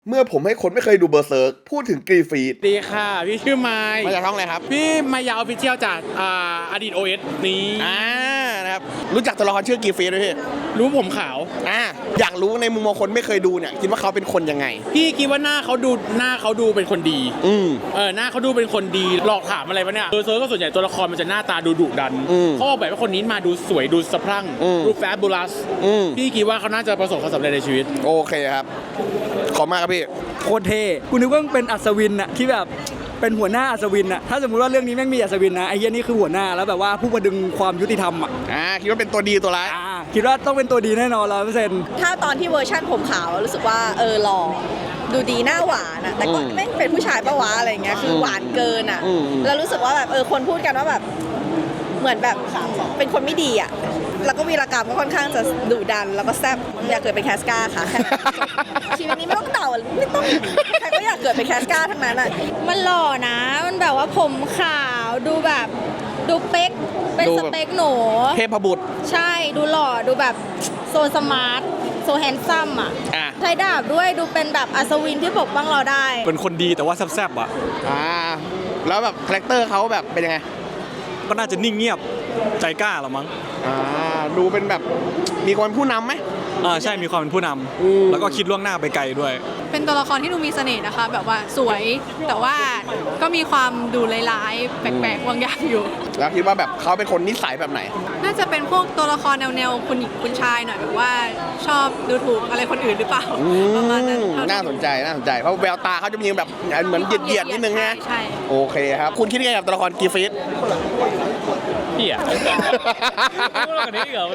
เมื่อผมให้คนไม่เคยดูเบอร์เซิร์กพูดถึงกรีฟีดดีค่ะพี่ชื่อไมค์มาจากช่องอะไรครับพี่มายาออฟฟิเชียลจากอดีต OS นี้นะครับรู้จักตัวละครชื่อกรีฟีดไหมพี่รู้ผมขาวอยากรู้ในมุมมองคนไม่เคยดูเนี่ยคิดว่าเขาเป็นคนยังไงพี่คิดว่าหน้าเขาดูเป็นคนดีหน้าเขาดูเป็นคนดีหลอกถามอะไรวะเนี่ยเซิร์ฟก็ส่วนใหญ่ตัวละครมันจะหน้าตาดูดุดันเขาบอกแบบว่าคนนี้มาดูสวยดูสะพรั่งดูแฟบูลัสพี่คิดว่าเขาน่าจะประสบความสำเร็จในชีวิตโอเคครับขอบมากครับพี่โคตรเท่กูนึกว่าเป็นอัศวินอะที่แบบเป็นหัวหน้าอัศวินอะถ้าสมมติว่าเรื่องนี้แม่งมีอัศวินนะไอ้เหี้ยนี่คือหัวหน้าแล้วแบบว่าผู้ประดึงความยุติธรรมอะคิดว่าเป็นตัวดีตัวร้ายคิดว่าต้องเป็นตัวดีแน่นอน100% ถ้าตอนที่เวอร์ชั่นผมขาวรู้สึกว่าหล่อดูดีหน้าหวานอะแต่ก็ไม่เป็นผู้ชายปะวะอะไรเงี้ยคือหวานเกินอะแล้วรู้สึกว่าแบบคนพูดกันว่าแบบเหมือนแบบเป็นคนไม่ดีอะแล้วก็วีรกรรมก็ค่อนข้างจะดุดันแล้วก็แซ่บอยากเกิดเป็นแคสกาค่ะแค่ชีวิตนี้ไม่ต้องเต่าไม่ต้องใครก็อยากเกิดเป็นแคสกาทั้งนั้นอะมันหล่อนะมันแบบว่าผมขาวดูแบบดูเป๊กเป็นสเปคหนูเทพบุตรใช่ดูหล่อดูแบบโซสมาร์ทโซแฮนซัมอ่ะใช้ดาบด้วยดูเป็นแบบอัศวินที่ปกป้องเราได้เป็นคนดีแต่ว่าแซ่บๆอ่ะแล้วแบบคาแรคเตอร์เขาแบบเป็นยังไงก็น่าจะนิ่งเงียบใจกล้าหรอมั้งดูเป็นแบบมีความผู้นำไหมใช่มีความเป็นผู้นำแล้วก็คิดล่วงหน้าไปไกลด้วยเป็นตัวละครที่ดูมีเสน่ห์นะคะแบบว่าสวยแต่ว่าก็มีความดูร้ายๆแปลกๆบางอย่างอยู่แล้วคิดว่าแบบเขาเป็นคนนิสัยแบบไหนน่าจะเป็นพวกตัวละครแนวคุณหญิงคุณชายหน่อยแบบว่าชอบดูถูกอะไรคนอื่นหรือเปล่าประมาณนั้นน่าสนใจเพราะแววตาเขาจะมีแบบเหมือนเหยียดนิดนึงนะใช่โอเคครับคุณคิดยังไงกับตัวละครกรีฟีดพี่อะพูดเรื่องนี้เหรอ